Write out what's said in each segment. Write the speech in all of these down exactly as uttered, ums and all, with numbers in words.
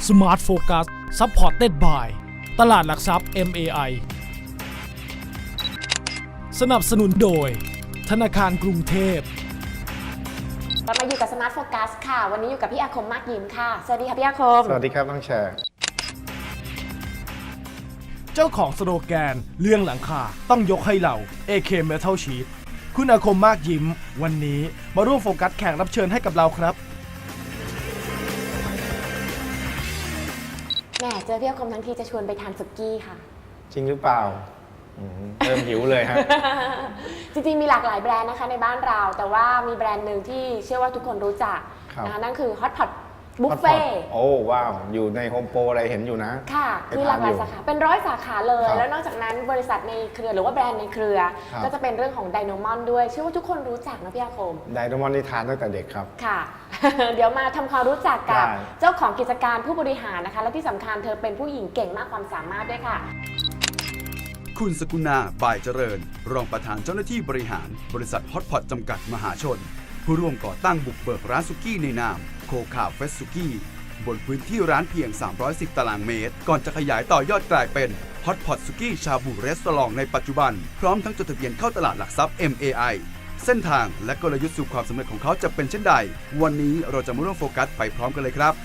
Smart Focus Supported by ตลาดหลักทรัพย์ เอ็ม เอ ไอ สนับสนุนโดยธนาคารกรุงเทพเรามาอยู่กับ Smart Focus ค่ะ วันนี้อยู่กับพี่อาคมมากยิ้มค่ะ สวัสดีค่ะพี่อาคมสวัสดีครับน้องแชร์เจ้าของสโลแกนเรื่องหลังคาต้องยกให้เรา เอ เค Metal Sheet คุณอาคมมากยิ้มวันนี้มาร่วมโฟกัสแขกรับเชิญให้กับเราครับแหมเจอพี่อาคมทั้งทีจะชวนไปทานสุกี้ค่ะจริงหรือเปล่าอืมเริ่มหิวเลยฮะจริงๆมีหลากหลายแบรนด์นะคะในบ้านเรา แต่ว่ามีแบรนด์หนึ่งที่เชื่อว่าทุกคนรู้จักนะคะนั่นคือ Hot Pot Buffet โอ้ว้าวอยู่ในโฮมโปรอะไรเห็นอยู่นะค่ะคือหลากหลายสาขาเป็นร้อยสาขาเลยครับแล้วนอกจากนั้นบริษัทในเครือหรือว่าแบรนด์ในเครือครับก็จะเป็นเรื่องของไดโนมอนด้วยเชื่อว่าทุกคนรู้จักนะพี่อาคมไดโนมอนนี่ทานตั้งแต่เด็กครับค่ะ เดี๋ยวมาทำความรู้จักกับได้เจ้าของกิจการผู้บริหารนะคะ และที่สำคัญเธอเป็นผู้หญิงเก่งมากความสามารถด้วยค่ะคุณสกุณาบ่ายเจริญ รองประธานเจ้าหน้าที่บริหาร บริษัทฮอตพอตจำกัดมหาชน ผู้ร่วมก่อตั้งบุกเบิกร้านสุกี้ในนามโคคาเฟสสุกี้บนพื้นที่ร้านเพียง สามร้อยสิบ ตารางเมตร ก่อนจะขยายต่อยอดกลายเป็นฮอตพอตสุกี้ชาบูรีสอร์ทในปัจจุบัน พร้อมทั้งจดทะเบียนเข้าตลาดหลักทรัพย์ เอ็ม เอ ไอ เส้นทางและกลยุทธ์สู่ความสำเร็จของเขาจะเป็นเช่นใด วันนี้เราจะมาร่วมโฟกัสไปพร้อมกันเลยครับ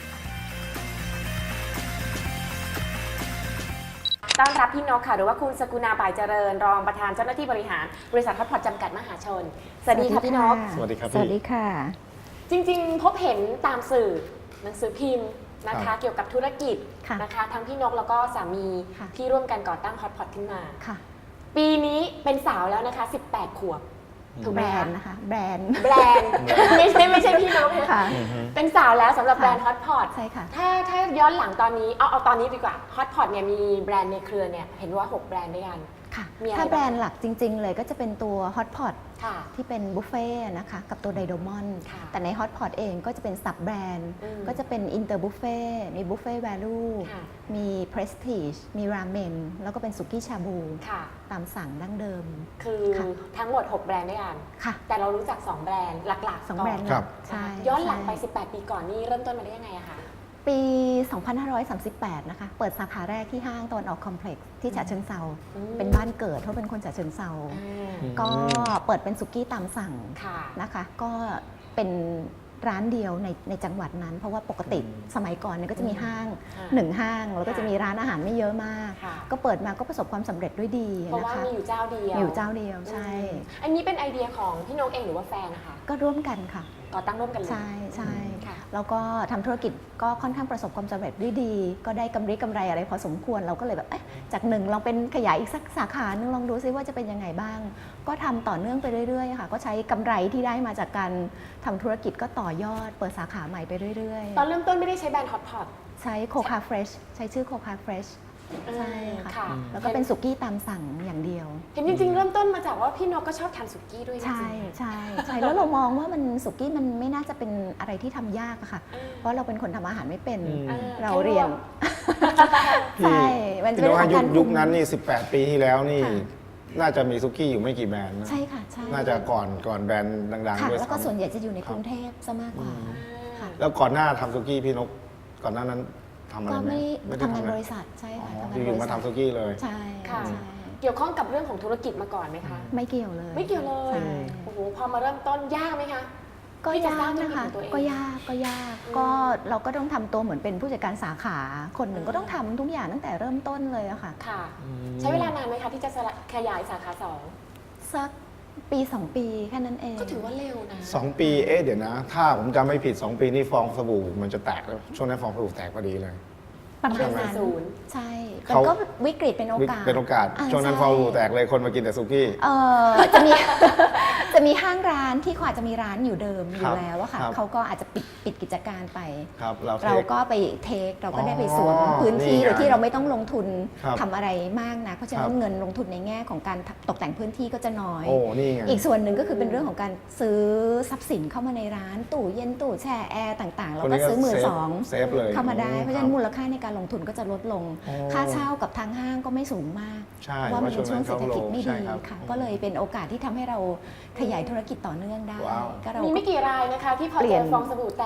ต้อนรับพี่นกค่ะหรือว่าคุณสกุณาบ่ายเจริญ รองประธานเจ้าหน้าที่บริหารบริษัทฮอตพอตจำกัดมหาชน สวัสดีค่ะพี่นกสวัสดีครับสวัสดีพี่ค่ะจริงๆ พบเห็นตามสื่อหนังสือพิมพ์นะครัคะบเกี่ยวกับธุรกิจค่ะนะคะทั้งพี่นกแล้วก็สามีค่ะที่ร่วมกันก่อตั้งฮอตพอตขึ้นมาค่ะปีนี้เป็นสาวแล้วนะคะสิบแปดขวบถูกไหแบมรคะนด์นะคะ แบรนด์แบรนด์ ไม่ใช่ไม่ใช่พี่นกนะค่ะอือฮึเป็นสาวแล้วสำหรับค่ะแบรนด์ฮอตพอตใช่ค่ะถ้าถ้าย้อนหลังตอนนี้เอาเอาตอนนี้ดีกว่าฮอตพอตเนี่ยมีแบรนด์ในเครือเนี่ยเห็นว่าหกแบรนด์ด้วยกันค่ะมีอะไรถ้าบ้างแบรนด์หลักจริง ๆ เลยก็จะเป็นตัว Hot Pot ค่ะที่เป็นบุฟเฟ่ต์นะคะ กับตัวไดโดมอนค่ะแต่ใน Hot Pot เองก็จะเป็นซับแบรนด์อืมก็จะเป็นอินเตอร์บุฟเฟ่มีบุฟเฟ่แวลูค่ะมีเพรสทีจมีราเมน แล้วก็เป็นสุกี้ชาบูค่ะตามสั่งดั้งเดิมคือค่ะทั้งหมดหกแบรนด์ด้วยกันค่ะแต่เรารู้จักสองแบรนด์หลักๆสองก่แบรนด์ครับใช่ย้อนหลังไปใช่สิบแปด ปีก่อนนี่เริ่มต้นมาได้ยังไงอะคะปี สองพันห้าร้อยสามสิบแปด นะคะ เปิดสาขาแรกที่ห้างตะวันออกคอมเพล็กซ์ที่ฉะเชิงเซาอืมเป็นบ้านเกิดเพราะเป็นคนฉะเชิงเซาอ่าอืมก็เปิดเป็นสุกี้ตามสั่งค่ะนะคะ ก็เป็นร้านเดียวในในจังหวัดนั้น เพราะว่าปกติสมัยก่อนเนี่ยก็จะมีห้างค่ะหนึ่งห้าง แล้วก็จะมีร้านอาหารไม่เยอะมากค่ะก็เปิดมาก็ประสบความสำเร็จด้วยดีเพราะนะว่าคะมีอยู่เจ้าเดียวมีอยู่เจ้าเดียวใช่อืมอันนี้เป็นไอเดียของพี่นกเองหรือว่าแฟนนะคะก็ร่วมกันค่ะก่อตั้งร่วมกันเลยใช่ใช่ค่ะแล้วก็ทำธุรกิจก็ค่อนข้างประสบความสำเร็จด้วยดี ก็ได้กำไรกำไรอะไรพอสมควรเราก็เลยแบบเอ๊ะจากหนึ่งลองเป็นขยายอีกสักสาขาหนึงลองดูซิว่าจะเป็นยังไงบ้าง ก็ทำต่อเนื่องไปเรื่อยๆค่ะก็ใช้กำไรที่ได้มาจากการทำธุรกิจก็ต่อยอด เปิดสาขาใหม่ไปเรื่อยๆตอนเริ่มต้นไม่ได้ใช้แบรนด์ฮอตพอตใช้โคคาเฟรชใช้ชื่อโคคาเฟรชใช่ค่ะค่ะแล้วก็เป็นสุกี้ตามสั่งอย่างเดียวเห็นจริงๆ เริ่มต้นมาจากว่าพี่นกก็ชอบทานสุกี้ด้วยจริงๆใช่ใช่ใช่แล้วเรามองว่ามันสุกี้มันไม่น่าจะเป็นอะไรที่ทำยากอะค่ะอืมเพราะเราเป็นคนทำอาหารไม่เป็นอืมอ่าเราแค่ลวกเรียน ใช่ มันจะพี่เป็นน้องเรื่องยุของการคยุคนั้นนี่สิบแปด ปีที่แล้วนี่ค่ะน่าจะมีซุกี้อยู่ไม่กี่แบรนด์นะใช่ค่ะใช่น่าจะก่อนก่อนแบรนด์ดังค่ะๆด้วยแล้วก็ส่วนซ้ำใหญ่จะอยู่ในกรุงเทพซะมากกว่าค่ะแล้วก่อนหน้าทำซุกี้พี่นกก่อนหน้านั้นทำอะไรก็ไหมไม่ได้ทำงานอะบไรริษัทใช่อ๋อค่ะทำงานอบ ยู่ริๆมาษัททำซุกี้เลยใช่ค่ะใช่เกี่ยวข้องกับเรื่องของธุรกิจมาก่อนไหมคะไม่เกี่ยวเลยไม่เกี่ยวเลยใช่โอ้โห พอมาเริ่มต้นยากไหมคะก็ที่จะยาสร้าก งธุรนะกิจคะของตัวเองก็ยากก็ยากอืมก็เราก็ต้องทำตัวเหมือนเป็นผู้จัดการสาขา คนหนึ่งอืมก็ต้องทำทุกอย่างตั้งแต่เริ่มต้นเลยอะค่ะค่ะ ใช้เวลานานไหมคะที่จะขยายสาขาสองสักปีสองปีแค่นั้นเองก็ถือว่าเร็วนะสองปี เอ๊ะเดี๋ยวนะ ถ้าผมจำไม่ผิด สอง ปีนี่ฟองสบู่มันจะแตกแล้วช่วงนั้นฟองสบู่แตกพอดีเลยประมาณใช่นั้นศูนย์ใช่แต่เขาก็วิกฤตเป็นโอกาสเป็นโอกาสาช่วงนั้นใฟองสบู่แตกเลยคนมากินแต่ซุกี้เออจะมี จะมีห้างร้านที่เขาอาจจะมีร้านอยู่เดิมอคยู่รับแล้วอะค่ะครับเขาก็อาจจะปิดปิดกิจการไปครับเราเราเทคก็ไปเทคเราก็ได้ไปอ๋อสวมพื้นที่นี่ไงโดยที่เราไม่ต้องลงทุนครับทำอะไรมากนะเพราะฉะนั้ครันบเงินลงทุนในแง่ของการตกแต่งพื้นที่ก็จะน้อยโอ้นี่ไงอีกส่วนหนึ่งก็คือเป็นเรื่องของการซื้อทรัพย์สินเข้ามาในร้านตู้เย็นตู้แช่แอร์ต่างๆ แล้วก็ซื้อมือสองเซฟเลยเข้ามาได้เพราะฉะนั้นมูลค่าในการลงทุนก็จะลดลงโอ้ค่าเช่ากับทางห้างก็ไม่สูงมากใช่ว่ามันเป็นช่วงเศรษฐกิจไม่ใช่ดีครับค่ะ ก็เลยเป็นโอกาสที่ทำให้เราขยายธุรกิจต่อเนื่องได้ว้าวก็เรามีก็ไม่กี่รายนะคะ ที่พอเปลี่เจยนอฟองสบู่แตก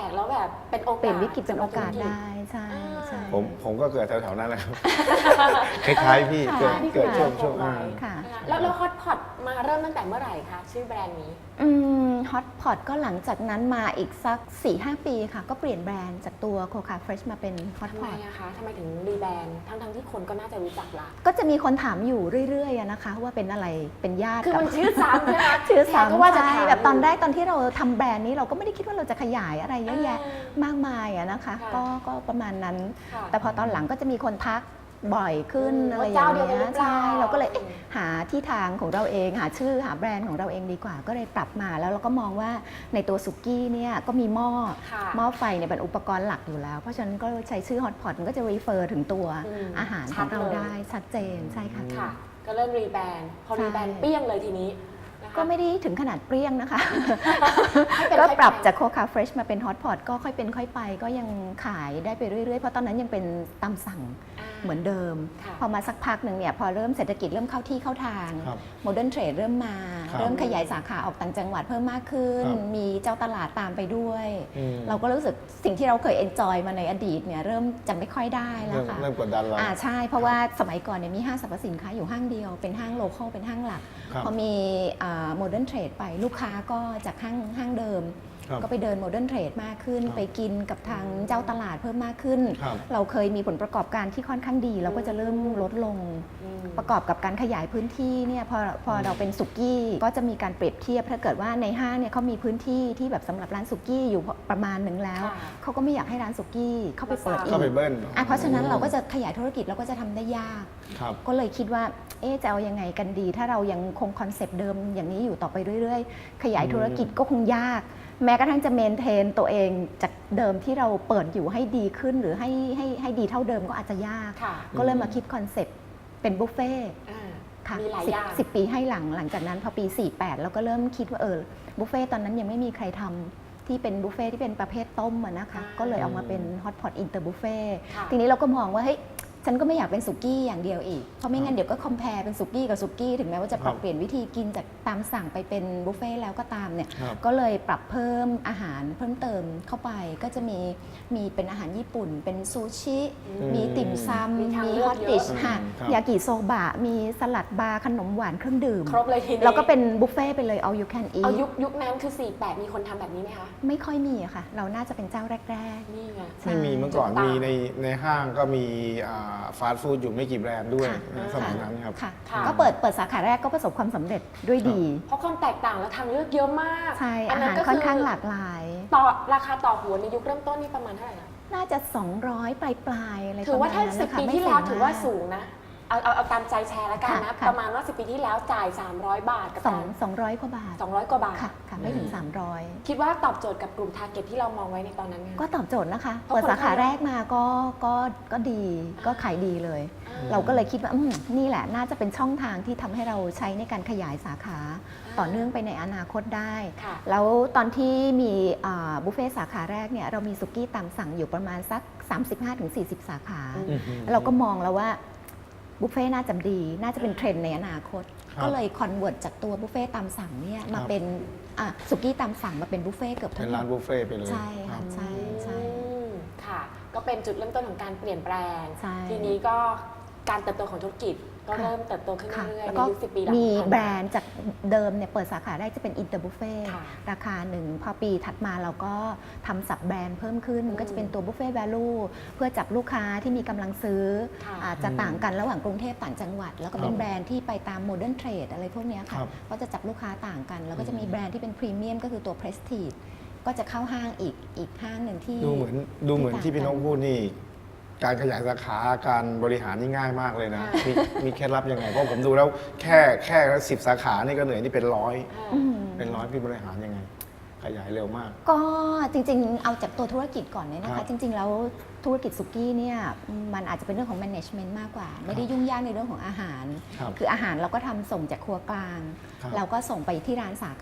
กแล้วแบบเป็นโอกาสเปลี่ยนวิกฤตเป็นโอกาสได้ใช่ใช่ผมผมก็เกิดแถวๆนั้นแหละครับ คล้ายๆพี่ค่ะเกิดเกิดช่วงค่ะช่วงอ่าค่ะนะคะแล้วแล้วฮอตพอตมาเริ่มตั้งแต่เมื่อไหร่คะชื่อแบรนด์นี้อืมฮอตพอตก็หลังจากนั้นมาอีกสัก สี่ห้า ปีค่ะ ก็เปลี่ยนแบรนด์จากตัวโคคาเฟรชมาเป็นฮอตทำพไมอตอะคะทำไมถึงรีแบรนด์ทั้งทั้งๆที่คนก็น่าจะรู้จักละก็จะมีคนถามอยู่เรื่อยๆอะนะคะ ว่าเป็นอะไรเป็นญาติคือกับมันชื่อซ้ำใช่ไหมชื่อแขกก็ซ้ำว่าจะใช่ถามแบบตอนแรกตอนที่เราทำแบรนด์นี้เราก็ไม่ได้คิดว่าเราจะขยายอะไรเยอะแยะอ่มากมายอะนะคะค่ะก็ก็ประมาณนั้นค่ะแต่พอตอนหลังก็จะมีคนทักบ่อยขึ้นอืมอะไรอว่าย่างเจ้าเดียวกันหรืเงี้อย เปล่าใช่เราก็เลยเอ๊ะหาที่ทางของเราเองหาชื่อหาแบรนด์ของเราเองดีกว่า ก็เลยปรับมาแล้วเราก็มองว่าในตัวสุกี้เนี่ยก็มีหม้อค่ะหม้อไฟเนี่ยเป็นอุปกรณ์หลักอยู่แล้ว เพราะฉะนั้นก็ใช้ชื่อฮอตพอตมันก็จะ refer ถึงตัวอืมอาหารชัขอดงเราเลยได้ชัดเจนใช่ค่ะค่ะ ก็เริ่มรีแบรนด์พอใช่รีแบรนด์เปี้ยงเลยทีนี้นะคะก็ไม่ได้ถึงขนาดเปรี้ยงนะคะให้เป็นก็ค่อยปรับไปจากโคคาเฟรชมาเป็นฮอตพอตก็ค่อยเป็นค่อยไป ก็ยังขายได้ไปเรื่อยๆ เพราะตอนนั้นยังเป็นตามสั่งอ่าเหมือนเดิมค่ะพอมาสักพักหนึ่งเนี่ยพอเริ่มเศรษฐกิจเริ่มเข้าที่เข้าทางครับโมเดิร์นเทรดเริ่มมาครับเริ่มขยายสาขาออกต่างจังหวัดเพิ่มมากขึ้นครับมีเจ้าตลาดตามไปด้วยอืมเราก็รู้สึกสิ่งที่เราเคยเอนจอยมาในอดีตเนี่ยเริ่มจะไม่ค่อยได้แล้เริ่วมค่ะเริ่มกดดันเราอ่าใช่ เพราะว่าสมัยก่อนเนี่ยมีห้างสรรพสินค้าอยู่ห้างเดียว เป็นห้างโลคอลเป็นห้างหลักครับพอมีโมเดิร์นเทรดไปลูกค้าก็จากห้างห้างเดิมครับก็ไปเดินโมเดิร์นเทรดมากขึ้นครับไปกินกับทางเจ้าตลาดเพิ่มมากขึ้นครับเราเคยมีผลประกอบการที่ค่อนข้างดี เราก็จะเริ่มลดลงอืมประกอบกับการขยายพื้นที่เนี่ยพอพอเราเป็นสุกี้ก็จะมีการเปรียบเทียบถ้าเกิดว่าในห้างเนี่ยเขามีพื้นที่ที่แบบสำหรับร้านสุกี้อยู่ประมาณหนึ่งแล้วค่ะเขาก็ไม่อยากให้ร้านสุกี้เข้าไปเปิดอีกเข้าไปเบิ้ลอ่ะเพราะฉะนั้นเราก็จะขยายธุรกิจเราก็จะทำได้ยากครับก็เลยคิดว่า เอ๊ะจะเอายังไงกันดี ถ้าเรายังคงคอนเซปต์เดิมอย่างนี้อยู่ต่อไปเรื่อยๆ ขยายธุรกิจก็คงยาก แม้กระทั่งจะเมนเทนตัวเองจากเดิมที่เราเปิดอยู่ให้ดีขึ้น หรือให้ให้ให้ดีเท่าเดิมก็อาจจะยากค่ะก็เลยมาคิดคอนเซปต์เป็นบุฟเฟ่ต์อ่าค่ะมีหลายสิบอย่างสิบปีให้หลังหลังจากนั้นพอปี สี่แปดเราก็เริ่มคิดว่าเออบุฟเฟ่ต์ตอนนั้นยังไม่มีใครทำที่เป็นบุฟเฟ่ต์ที่เป็นประเภทต้มอะนะคะอ่าก็เลยเอามาเป็นฮอตพอตอินเตอร์บุฟเฟ่ต์ค่ะทีนี้เราก็มองว่าเฮ้ยฉันก็ไม่อยากเป็นสุกี้อย่างเดียวอีก เพราะไม่งั้นเดี๋ยวก็คอมเพลเป็นสุกี้กับสุกี้ถึงแม้ว่าจะปรับครับเปลี่ยนวิธีกินจากตามสั่งไปเป็นบุฟเฟ่ต์แล้วก็ตามเนี่ยครับก็เลยปรับเพิ่มอาหารเพิ่มเติมเข้าไป ก็จะมีมีเป็นอาหารญี่ปุ่น เป็นซูชิอืมมีติ่มซมีำทางมีเลืฮออก ตเยอะดิชอืมค่ะครับยากิโซบะ มีสลัดบาร์ขนมหวานเครื่องดื่มครบเลยทีนี้แล้วก็เป็นบุฟเฟ่ต์ไปเลย all you can เอา eat ยุคยุคนั้นคือ สี่แปด มีคนทำแบบนี้ไหมคะไม่ค่อยมีอะค่ะ เราน่าจะเป็นเจ้าแรกนี่ไงใช่ไม่มีเมื่อก่อนจุดต่างมีในในห้างก็มีฟาสต์ฟู้ดอยู่ไม่กี่แบรนด์ด้วยค่ะนะสมัยนั้นครับค่ะค่ะก็เปิดเปิดสาขาแรกก็ประสบความสำเร็จด้วยดีเพราะความแตกต่างและทางเลือกเยอะมากใช่นอานั้หารก็ค่อนข้างหลากหลายต่อราคาต่อหัวในยุคเริ่มต้นนี่ประมาณเท่าไหร่นะน่าจะ สองร้อย ปลายปลายๆอะไรถือว่าถ้าประมณสินั้บนนะคะปีไม่ที่แล้วงถือว่ามาสูงนะ เอาเอาเอาตามใจแชร์แล้วกันนะค่ะค่ะประมาณว่าสิบปีที่แล้วจ่าย สามร้อย บาทกับสองการสองร้อยกว่าบาทสองร้อยกว่าบาทค่ะค่ะไม่ถึงอืมสามร้อยคิดว่าตอบโจทย์กับกลุ่มทาร์เก็ตที่เรามองไว้ในตอนนั้นไงก็ตอบโจทย์นะคะเพราะเปิดสาขาคนเข้าแรกมาก็ก็ก็ดีก็ขายดีเลยอ่าเราก็เลยคิดว่าอืมนี่แหละน่าจะเป็นช่องทางที่ทำให้เราใช้ในการขยายสาขาอ่าต่อเนื่องไปในอนาคตได้ค่ะแล้วตอนที่มีอ่าบุฟเฟ่ต์สาขาแรกเนี่ยเรามีสุกี้ตามสั่งอยู่ประมาณสัก สามสิบห้าถึงสี่สิบ สาขาอืมเราก็มองแล้วว่าบุฟเฟ่ต์น่าจะดี น่าจะเป็นเทรนด์ในอนาคตครับก็เลยคอนเวิร์ตจากตัวบุฟเฟ่ต์ตามสั่งเนี่ยมาครับเป็นอ่ะสุกี้ตามสั่งมาเป็นบุฟเฟ่ต์เกือบเป็ทั้นงหมร้านดบุฟเฟ่ต์ไปเลยใช่ครัค่ะบใช่ใช่อืมค่ะ ก็เป็นจุดเริ่มต้นของการเปลี่ยนแปลงใช่ทีนี้ก็การเติบโตของธุรกิจก็ค่ะเริ่มเติบโตขึ้นค่ะเรื่อยๆแล้วในก็ยุคสิบปีหลังมีที่ผ่านมาแบรนด์จากเดิมเนี่ยเปิดสาขาแรกจะเป็นอินเตอร์บุฟเฟ่ค่ะราคาหนึ่งพอปีถัดมาเราก็ทำสับแบรนด์เพิ่มขึ้นอืมก็จะเป็นตัวบุฟเฟ่แวลูเพื่อจับลูกค้าที่มีกำลังซื้อค่ะอาจจะต่างกันระหว่างกรุงเทพต่างจังหวัด แล้วก็เป็นครับแบรนด์ที่ไปตามโมเดิร์นเทรดอะไรพวกเนี้ยค่ะครับก็จะจับลูกค้าต่างกัน แล้วก็จะมีอืมแบรนด์ที่เป็นพรีเมียมก็คือตัวเพรสทีจก็จะเข้าห้างอีกอีกห้างหนึ่งที่ดูเหมือนดูเหมือนที่พี่นกพูดนี่ การขยายสาขาการบริหารนี่ง่ายมากเลยนะค่ะมีมีเคล็ดลับยังไง เพราะผมดูแล้วแค่แค่สิบสาขานี่ก็เหนื่อยนี่เป็นร้อยอ่าอืมเป็นร้อยพี่บริหารยังไง ขยายเร็วมากก็จริงๆ เอาจากตัวธุรกิจก่อนเนี่ยนะครัคะบจริง ๆ แล้วธุรกิจสุกี้เนี่ยมันอาจจะเป็นเรื่องของ management มากกว่า ไม่ได้ยุ่งยากในเรื่องของอาหารครับคืออาหารเราก็ทำส่งจากครัวกลางครับเราก็ส่งไปที่ร้านสาขา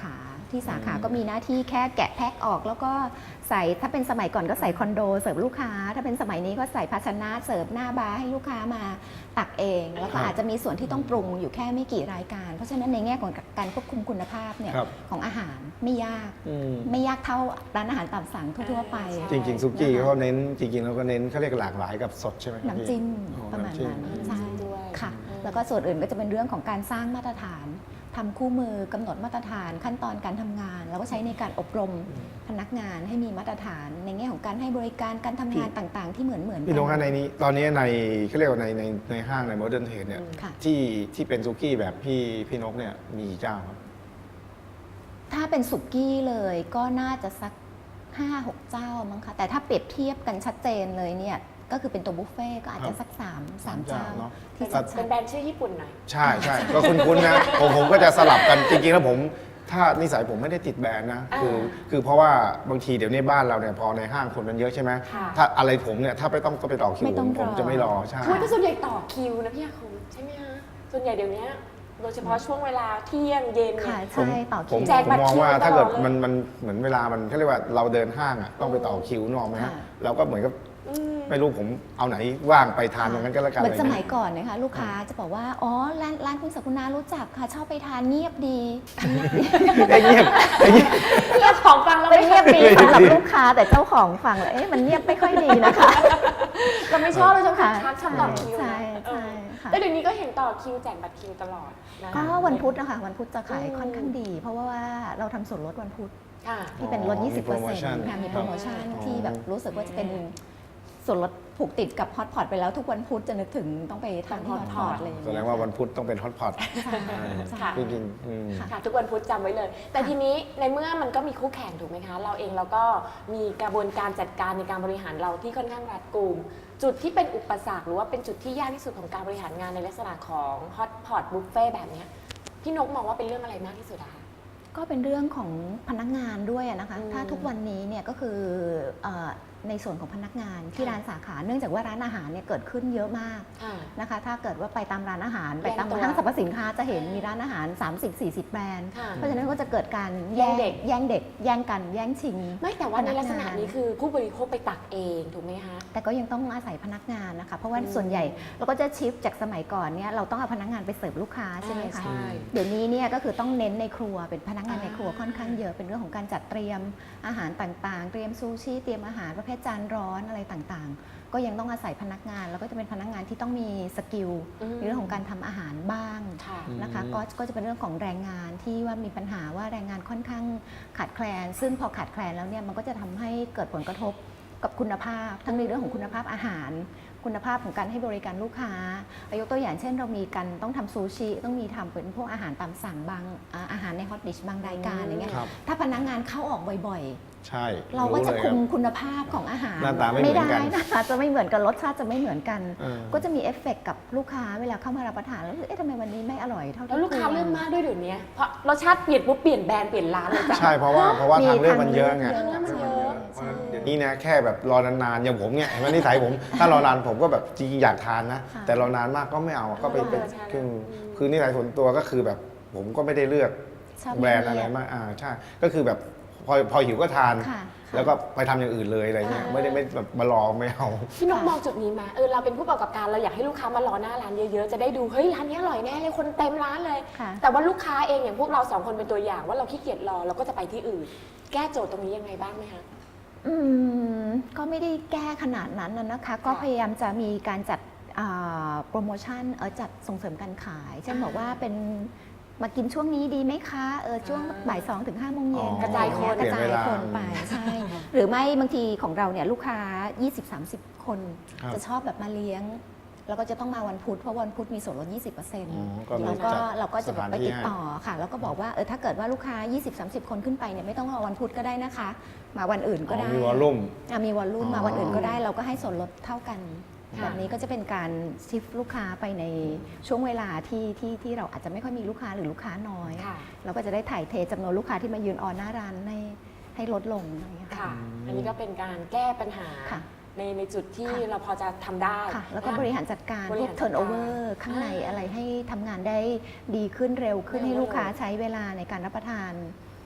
ที่สาขาก็มีหน้าที่แค่แกะแพ็คออก แล้วก็ใส่ถ้าเป็นสมัยก่อนก็ใส่คอนโดเสิร์ฟลูกค้า ถ้าเป็นสมัยนี้ก็ใส่ภาชนะเสิร์ฟหน้าบาร์ให้ลูกค้ามาตักเอง แล้วก็อาจจะมีส่วนที่ต้องปรุงอยู่แค่ไม่กี่รายการ เพราะฉะนั้นในแง่ของการควบคุมคุณภาพเนี่ยครับของอาหารไม่ยากอืมไม่ยากเท่าร้านอาหารตามสั่งทั่วๆไปจริงๆซุกี้นะคะเขาเน้นจริงๆแล้วก็เน้นเขาเรียกหลากหลายกับสดใช่ไหมครับน้ำจิ้มพี่ประมาณน้ำจิ้นั้นน้ำจิ้ใช่มด้วยค่ะอืมแล้วก็ส่วนอื่นก็จะเป็นเรื่องของการสร้างมาตรฐานทำคู่มือกำหนดมาตรฐานขั้นตอนการทำงาน แล้วก็ใช้ในการอบรมพนักงานให้มีมาตรฐาน ในแง่ของการให้บริการการทำงานต่างๆ ที่เหมือนเหมือนพี่นกกัฮะในนี้ตอนนี้ในเขาเรียกว่าในในในห้างในโมเดิร์นเทรดเนี่ยค่ะที่ที่เป็นซุกี้แบบพี่พี่นกเนี่ยมีกี่เจ้าครับถ้าเป็นสุกี้เลยก็น่าจะสัก ห้าหก เจ้ามั้งคะแต่ถ้าเปรียบเทียบกันชัดเจนเลยเนี่ยก็คือเป็นตัวบุฟเฟ่ต์ก็อาจจะสัก3 3เจ้าเนอะที่ครัชับดเป็นแบรนด์ชื่อญี่ปุ่นหน่อยใช่ใช่ก็คุ้นๆนะผมผมก็จะสลับกันจริงๆแล้วผมถ้านิสัยผมไม่ได้ติดแบรนด์นะคืออ่าคือเพราะว่าบางทีเดี๋ยวนี้บ้านเราเนี่ยพอในห้างคนมันเยอะใช่ไหมค่ะถ้าอะไรผมเนี่ยถ้าไปต้องต้องไปต่อคิวไม่ผต้องมผมรอจะไม่รอใช่คือแต่ส่วนใหญ่ต่อคิวนะพี่อาคมใช่ไหมฮะส่วนใหญ่เดี๋ยวนี้โดยเฉพาะช่วงเวลาเที่ยงเย็นๆเนี่ค่ะยใช่ต่อผคิมวแจกผมบัตรมองคิวว่าตลอดถ้าเกิดเลยมันมันเหมือนเวลามันเขาเรียกว่าเราเดินห้างอ่ะต้องไปต่อคิวนกออกไหมฮะค่ะเราก็เหมือนกับอืมไม่รู้ผมเอาไหนว่างไปทานตรงนั้นก็แล้วกันเหมือนอะไรสเงี้ยมัยก่อนนะคะลูกค้าจะบอกว่าอ๋อร้านร้านคุณสกุณารู้จักค่ะชอบไปทานเงียบดีไอ้เงียบไอ้เงียบเรื่องของฟังเราเป็นไม่เงียบดีไม่สำหรับดีลูกค้าแต่เจ้าของฟังแล้วเอ๊ะมันเงียบไม่ค่อยดีนะคะเราไม่ชอบเราชอบค่ะทักชอบต่อคิวใช่นะใช่ค่ะแต่เดี๋ยวนี้ก็เห็นต่อคิวแจกบัตรคิวตลอดนะก็วันพุธนะคะวันพุธจะขายอืมค่อนข้างดี เพราะว่าเราทำส่วนลดวันพุธค่ะที่เป็นลดอ๋อยี่สิบเปอร์มีเซ็นโปรโมชั่นต์ค่ะมีโปรโมชั่นครับที่แบบรู้สึกว่าจะเป็นส่วนลดผูกติดกับฮอตพอตไปแล้วทุกวันพุธจะนึกถึงต้องไปทานที่ฮอตพอตเลยแสดงว่าวันพุธต้องเป็นฮอตพอตใช่ใช่ค่ะจริงๆอืมค่ะทุกวันพุธจำไว้เลย แต่ทีนี้ในเมื่อมันก็มีคู่แข่งถูกไหมคะ เราเองเราก็มีกระบวนการจัดการในการบริหารเราที่ค่อนข้างรัดกุม จุดที่เป็นอุปสรรคหรือว่าเป็นจุดที่ยากที่สุดของการบริหารงานในลักษณะของฮอตพอตบุฟเฟ่แบบเนี้ยพี่นกมองว่าเป็นเรื่องอะไรมากที่สุดอะคะก็เป็นเรื่องของพนักงานด้วยอะนะคะอืมถ้าทุกวันนี้เนี่ยก็คือเอ่อในส่วนของพนักงานที่ร้านสาขา เนื่องจากว่าร้านอาหารเนี่ยเกิดขึ้นเยอะมากค่ะนะคะ ถ้าเกิดว่าไปตามร้านอาหาร ไปตามแยกตัวห้างสรรพสินค้าจะเห็นมีร้านอาหาร สามสิบสี่สิบ แบรนด์ค่ะเพราะฉะนั้นก็จะเกิดการแย่งเด็กแย่งเด็ก แย่งกัน แย่งชิงไม่แต่ว่าในลักษณะพนักงานนี้คือผู้บริโภคไปตักเองถูกไหมคะแต่ก็ยังต้องอาศัยพนักงานนะคะ เพราะว่าอืมส่วนใหญ่เราก็จะชิฟจากสมัยก่อนเนี่ยเราต้องเอาพนักงานไปเสิร์ฟลูกค้าใช่ไหมคะใช่เดี๋ยวนี้เนี่ยก็คือต้องเน้นในครัวเป็นพนักงานในครัวอ่าค่อนข้างเยอะเป็นเรื่องของการจัดเตรียมอาหารต่างๆ เตรียมซูชิเตรียมอาหารประเภทจานร้อนอะไรต่างๆ ก็ยังต้องอาศัยพนักงาน แล้วก็จะเป็นพนักงานที่ต้องมีสกิลอืมในเรื่องของการทำอาหารบ้างค่ะนะคะก็ก็จะเป็นเรื่องของแรงงานที่ว่ามีปัญหาว่าแรงงานค่อนข้างขาดแคลน ซึ่งพอขาดแคลนแล้วเนี่ยมันก็จะทำให้เกิดผลกระทบกับคุณภาพ ทั้งในเรื่องของคุณภาพอาหาร คุณภาพของการให้บริการลูกค้ายกตัวอย่างเช่นเรามีกันต้องทำซูชิต้องมีทำเป็นพวกอาหารตามสั่งบางอ่าอาหารในฮอตดิชบางรายการอย่างเงี้ยครับถ้าพนักงานเข้าออกบ่อยใช่ๆ เราก็จะลยคุมรับคุณภาพของอาหารหน้าตาไม่เหมือนกันได้นะคะจะไม่เหมือนกันรสชาติจะไม่เหมือนกันเออก็จะมีเอฟเฟกต์กับลูกค้าเวลาเข้ามารับประทานแล้วเอ๊ะทำไมวันนี้ไม่อร่อยเท่าที่แล้วลูกค้าควรเริ่มมากด้วยเดี๋ยวนี้เพราะรสชาติเปลี่ยนปุ๊บเปลี่ยนแบรนด์เปลี่ยนร้านเลยจ้ะใช่เพราะว่าเพราะว่ามีทางเลือกมันเยอะไงทางเลือกมันเยอะเพราะฉะนั้นเดี๋ยวนี้นะแค่แบบรอนานๆอย่างผมเนี่ยเห็นไหมนิสัยผม ถ้ารอนานผมก็แบบจริงๆอยากทานนะค่ะแต่รอนานมากก็ไม่เอาก็ไปเป็นเออใช่คืออืมคือนิสัยส่วนตัวก็คือแบบผมก็ไม่ได้เลือกชอบแบรนด์อะไรมากอ่าใช่ก็คือแบบพอพอหิวก็ทานค่ะแล้วก็ไปทำอย่างอื่นเลยอะไรเงี้ยอ่าไม่ได้ไม่แบบมารอไม่เอาพี่นกค่ะมองจุดนี้มาเออเราเป็นผู้ประกอบการเราอยากให้ลูกค้ามารอหน้าร้านเยอะๆจะได้ดูเฮ้ยร้านนี้อร่อยแน่เลยคนเต็มร้านเลยค่ะแต่ว่าลูกค้าเองอย่างพวกเราสองคนเป็นตัวอย่างว่าเราขี้เกียจรอเราก็จะไปที่อื่น แก้โจทย์ตรงนี้ยังไงบ้างไหมคะอืมก็ไม่ได้แก้ขนาดนั้นนะนะคะ ก็พยายามจะมีการจัดอ่าโปรโมชั่นเออจัดส่งเสริมการขาย เช่นอ่าบอกว่าเป็นมากินช่วงนี้ดีไหมคะเออช่วงอ่าบ่ายสองถึงห้าโมงเย็นอ๋อกระจายคนกระจายคนไปเปลี่ยนเวลาใช่ หรือไม่บางทีของเราเนี่ยลูกค้า ยี่สิบสามสิบ คนครับจะชอบแบบมาเลี้ยง แล้วก็จะต้องมาวันพุธเพราะวันพุธมีส่วนลด ยี่สิบเปอร์เซ็นต์อ๋อก็มีเราก็จัดเราก็จะแบบไปสถานที่ติดต่อค่ะ แล้วก็บอกว่าเออถ้าเกิดว่าลูกค้า ยี่สิบสามสิบ คนขึ้นไปเนี่ยไม่ต้องรอวันพุธก็ได้นะคะ มาวันอื่นก็อ๋อได้มีวอลลุ่มอ่ะมีวอลลุ่มอ๋อมาวันอื่นก็ได้เราก็ให้ส่วนลดเท่ากันค่ะแบบนี้ก็จะเป็นการชิฟลูกค้าไปในช่วงเวลาที่ที่ที่เราอาจจะไม่ค่อยมีลูกค้าหรือลูกค้าน้อยค่ะเราก็จะได้ถ่ายเทจำนวนลูกค้าที่มายืนออนหน้าร้านให้ให้ลดลงอะไรอย่างเงี้ยค่ะ อันนี้ก็เป็นการแก้ปัญหาค่ะในในจุดที่ค่ะเราพอจะทำได้ค่ะ แล้วก็นะบริหารจัดการบพริวกหารจัดการเทิร์นโอเวอร์ข้างในอ่าอะไรให้ทำงานได้ดีขึ้นเร็วขึ้นเร็วให้ลูกค้าเลยใช้เวลาในการรับประทาน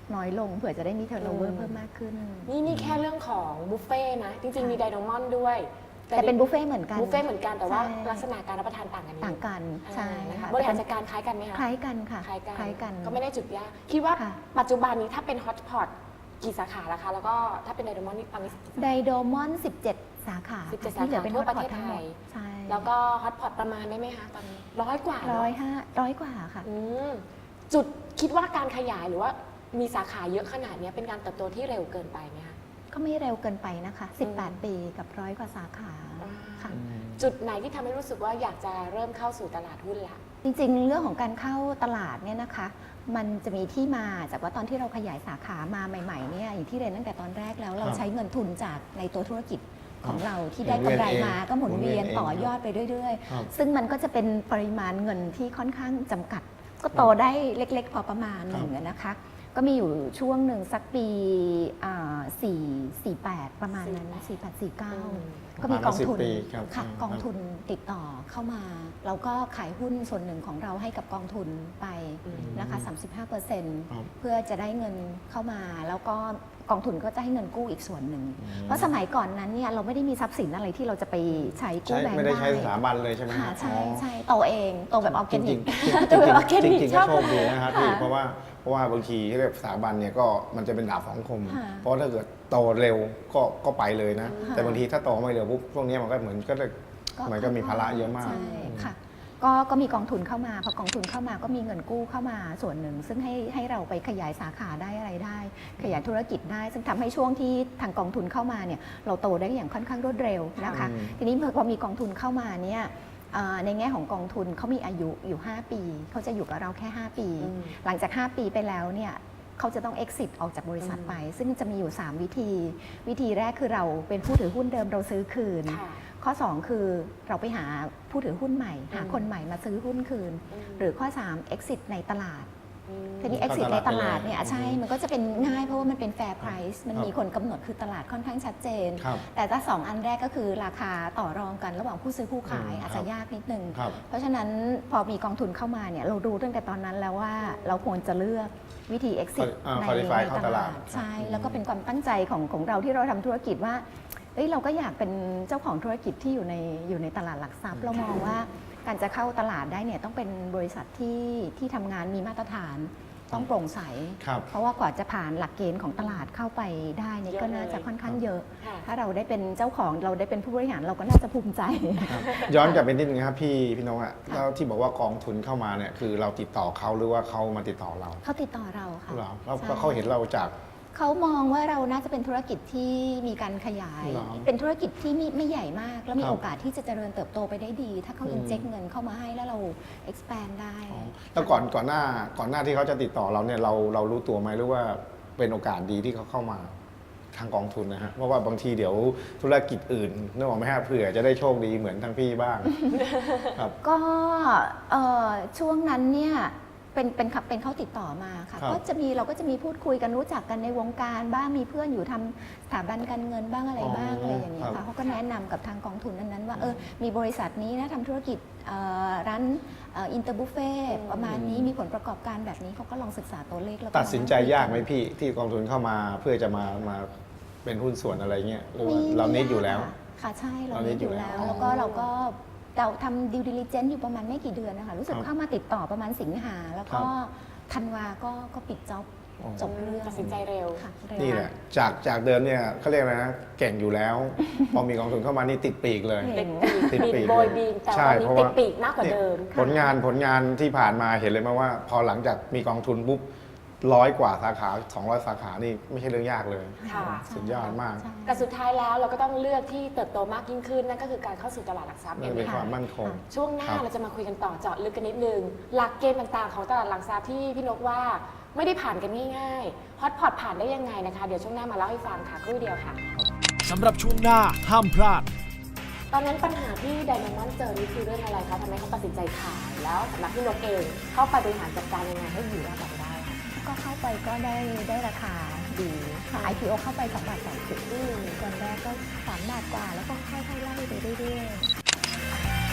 น้อยลงเผื่อจะได้มีเทอร์โนเวออืร์มเพิ่มมากขึ้นนี่นี่แค่เรื่องของบุฟเฟ่ต์นะ จริง ๆ มีไดโนมอนด้วยแต่เป็นบุฟเฟ่ต์เหมือนกันบุฟเฟ่ต์เหมือนกันแต่ว่าใช่ลักษณะการรับประทานต่างกันนิดต่างกันใช่อ่าค่ะบริหารจัดการคล้ายกันไหมคะคล้ายกันค่ะคล้ายกันคล้ายกันก็ไม่ได้จุดยากคิดว่าค่ะปัจจุบันนี้ถ้าเป็นฮอตพอตกี่สาขาแล้วคะ แล้วก็ถ้าเป็นไดโนมอนนี่ตอนนี้ไดโดมอน สิบเจ็ด สาขาสิบเจ็ดที่เหลือเป็นสาขาทั่วฮอตพอตประเทศทั้งหมไทดยใช่แล้วก็ฮอตพอตประมาณได้ไหมคะตอนนี้ร้อยกว่าเนอะร้อยห้าร้อยกว่าค่ะอืมจุดคิดว่าการขยายหรือว่ามีสาขาเยอะขนาดเนี้ยเป็นการเติบโตที่เร็วเกินไปไหมคะก็ไม่เร็วเกินไปนะคะ สิบแปด ปีกับร้อยกว่าสาขาค่ะจุดไหนที่ทำให้รู้สึกว่าอยากจะเริ่มเข้าสู่ตลาดหุ้นละจริงๆ เรื่องของการเข้าตลาดเนี่ยนะคะ มันจะมีที่มาจากว่าตอนที่เราขยายสาขามาใหม่ๆเนี่ยอย่างที่เรียนตั้งแต่ตอนแรกแล้วเราครับใช้เงินทุนจากในตัวธุรกิจของเราที่หมุได้นเวียนกำไรเองมาก็หมุนเวียนหมุนเวียนเองต่อยอดไปเรื่อยครับๆ ซึ่งมันก็จะเป็นปริมาณเงินที่ค่อนข้างจำกัด ก็โตได้เล็กๆ พอประมาณหนึ่งอะนะคะ ก็มีอยู่ช่วงหนึ่งสักปีสี่สี่แปดประมาณนั้นสี่แปดสี่เก้าอืมก็มีกองทุนประมาณสิบปีครับค่ะอืมกองทุนติดต่อเข้ามา เราก็ขายหุ้นส่วนหนึ่งของเราให้กับกองทุนไปนะคะ สามสิบห้าเปอร์เซ็นต์ครับเพื่อจะได้เงินเข้ามา แล้วก็กองทุนก็จะให้เงินกู้อีกส่วนหนึ่งอืมเพราะสมัยก่อนนั้นเนี่ยเราไม่ได้มีทรัพย์สินอะไรที่เราจะไปใช้กู้ใช้แบงค์ไม่ได้ใช้ได้สถาบันเลยใช่ไหมค่ะฮะใช่อ๋อใช่โตเองโตแบบออร์แกจนิริกงๆจริงตัวออร์แกๆจนิกริงๆชก็อบโชคดีนะครับพี่ค่ะเพราะว่าเพราะว่าบางทีที่เรียกสถาบันเนี่ยก็มันจะเป็นดาบสองคมค่ะเพราะถ้าเกิดโตเร็วก็ก็ไปเลยนะค่ะแต่บางทีถ้าโตไม่เร็วปุ๊บพวกนี้มันก็เหมือนก็เลยเหมือนก็มีภาระเยอะมากใช่ค่ะก็ก็มีกองทุนเข้ามาพอกองทุนเข้ามาก็มีเงินกู้เข้ามาส่วนหนึ่ง ซึ่งให้ให้เราไปขยายสาขาได้อะไรได้ ขยายธุรกิจได้ ซึ่งทำให้ช่วงที่ทางกองทุนเข้ามาเนี่ยเราโตได้อย่างค่อนข้างรวดเร็วนะคะอืมทีนี้พอมีกองทุนเข้ามาเนี่ยเอ่อในแง่ของกองทุนเขามีอายุอยู่ ห้า ปีเขาจะอยู่กับเราแค่ ห้า ปีอืมหลังจาก ห้า ปีไปแล้วเนี่ยเขาจะต้อง exit ออกจากบริษัทไป ซึ่งจะมีอยู่ สาม วิธี วิธีแรกคือเราเป็นผู้ถือหุ้นเดิมเราซื้อคืนค่ะข้อ สอง คือเราไปหาผู้ถือหุ้นใหม่ หาอืมคนใหม่มาซื้อหุ้นคืนอืมหรือข้อ สาม exit ในตลาดอืมทีนี้เข้า exit ตในลาดตลาดไปเลยเนี่ยอ่ะใช่อืมมันก็จะเป็นง่ายเพราะว่ามันเป็น fair price มันครับมีคนกำหนดคือตลาดค่อนข้างชัดเจนครับแต่ถ้าสองอันแรกก็คือราคาต่อรองกันระหว่างผู้ซื้อผู้ขายอืมอาจจะยากนิดนึงครับเพราะฉะนั้นพอมีกองทุนเข้ามาเนี่ยเรารู้ตั้งแต่ตอนนั้นแล้วว่าเราควรจะเลือกวิธี exit อ่าใน qualify ในเข้าตตลาลาดดใช่ แล้วก็เป็นความตั้งใจของของเราที่เราทำธุรกิจว่าเอ้ยเราก็อยากเป็นเจ้าของธุรกิจที่อยู่ในอยู่ในตลาดหลักทรัพย์ เรามองว่าการจะเข้าตลาดได้เนี่ยต้องเป็นบริษัทที่ที่ทำงานมีมาตรฐานต้องโปร่งใสครับเพราะว่ากว่าจะผ่านหลักเกณฑ์ของตลาดเข้าไปได้เนี่ยเยอะก็น่าจะเลยค่อนข้างเยอะค่ะถ้าเราได้เป็นเจ้าของเราได้เป็นผู้บริหารเราก็น่าจะภูมิใจครับย้อนกลับไปนิดนึงครับพี่พี่น้องอะแล้วที่บอกว่ากองทุนเข้ามาเนี่ยคือเราติดต่อเขาหรือว่าเขามาติดต่อเราเขาติดต่อเราค่ะเหรอแล้วใช่ก็เขาเห็นเราจากเขามองว่าเราน่าจะเป็นธุรกิจที่มีการขยายเหรอเป็นธุรกิจที่ไม่ไม่ใหญ่มาก แล้วมีครับโอกาสที่จะเจริญเติบโตไปได้ดี ถ้าเขาอืม inject เงินเข้ามาให้แล้วเรา expand ได้อ๋อแล้วก่อนก่อนหน้าก่อนหน้าที่เขาจะติดต่อเราเนี่ยเราเรารู้ตัวไหมหรือว่าเป็นโอกาสดีที่เขาเข้ามาทางกองทุนนะฮะเพราะว่าบางทีเดี๋ยวธุรกิจอื่นนึกออกไหมฮะเผื่อจะได้โชคดีเหมือนทางพี่บ้าง ครับก็เอ่อช่วงนั้นเนี่ยเป็นเป็นขับเป็นเขาติดต่อมาค่ะครับก็จะมีเราก็จะมีพูดคุยกันรู้จักกันในวงการบ้างมีเพื่อนอยู่ทำสถาบันการเงินบ้างอะไรบ้างอ๋อออะไรอย่างเงี้ยครัค่ะบเขาก็แนะนำกับทางกองทุนนั้นๆว่าเออมีบริษัทนี้นะทำธุรกิจเอ่อร้านอินเตอร์บุฟเฟ่ประมาณนี้มีผลประกอบการแบบนี้เขาก็ลองศึกษาตัวเลขแล้วก็ตัดสินใจยากไหมพี่ที่กองทุนเข้ามาเพื่อจะมามาเป็นหุ้นส่วนอะไรเงี้ยหรือว่าเราเน็ตอยู่แล้วค่ะใช่เราเราเน็เน็ตตออยู่ยู่แล้แล้ว ว แล้วก็เราก็เราทำดิวดิลิเจนต์อยู่ประมาณไม่กี่เดือนนะคะรู้สึกครับเข้ามาติดต่อประมาณสิงหาแล้วก็ครับธันวาก็ก็ปิดจ็อบอ๋อจบเรื่องตัดสินใจเร็วค่ะเร็วนี่แหละจากจากเดิมเนี่ยเขาเรียกอะไรนะเก่งอยู่แล้ว พอมีกองทุนเข้ามานี่ติดปีกเลยเก่ติดปีกติดปีปีกกโบยบีมแต่ใช่วันนี้เพราะติว่าดปีกมากกว่าเดิมผลงานผลงานที่ผ่านมาเห็นเลยไหมว่า พอหลังจากมีกองทุนปุ๊บร้อยกว่าสาขาสองร้อยสาขานี่ไม่ใช่เรื่องยากเลยค่ะสุดยอดมากใช่แต่สุดท้ายแล้วเราก็ต้องเลือกที่เติบโตมากยิ่งขึ้นนั่นก็คือการเข้าสู่ตลาดหลักทรัพย์นั่เอน งเป็นค่ะความมั่นคงช่วงหน้าครับเราจะมาคุยกันต่อเจาะลึกกันนิดนึง หลักเกณฑ์ต่างๆของตลาดหลักทรัพย์ที่พี่นกว่าไม่ได้ผ่านกันง่ายๆฮอตพอตผ่านได้ยังไงนะคะ เดี๋ยวช่วงหน้ามาเล่าให้ฟังค่ะครู่เดียวค่ะสำหรับช่วงหน้าห้ามพลาดตอนนั้นปัญหาที่ไดมอนด์เจอนี่คือเรื่องอะไรคะทำให้เขาตัดสินใจขายแล้วสำหรับพี่นกเองเข้าไปบริหารจัดการยังไงให้อยู่รอดต่อไปได้ค่ะก็เข้าไปก็ได้ได้ราคาดีค่ะ ไอ พี โอ เข้าไปสองบาทสองสิบอืมตอนแรกก็สามบาทกว่าแล้วก็ค่อยๆไล่ไปเรื่อยๆ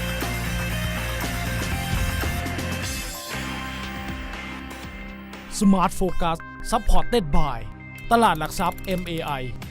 Smart Focus Supported by ตลาดหลักทรัพย์ เอ็ม เอ ไอ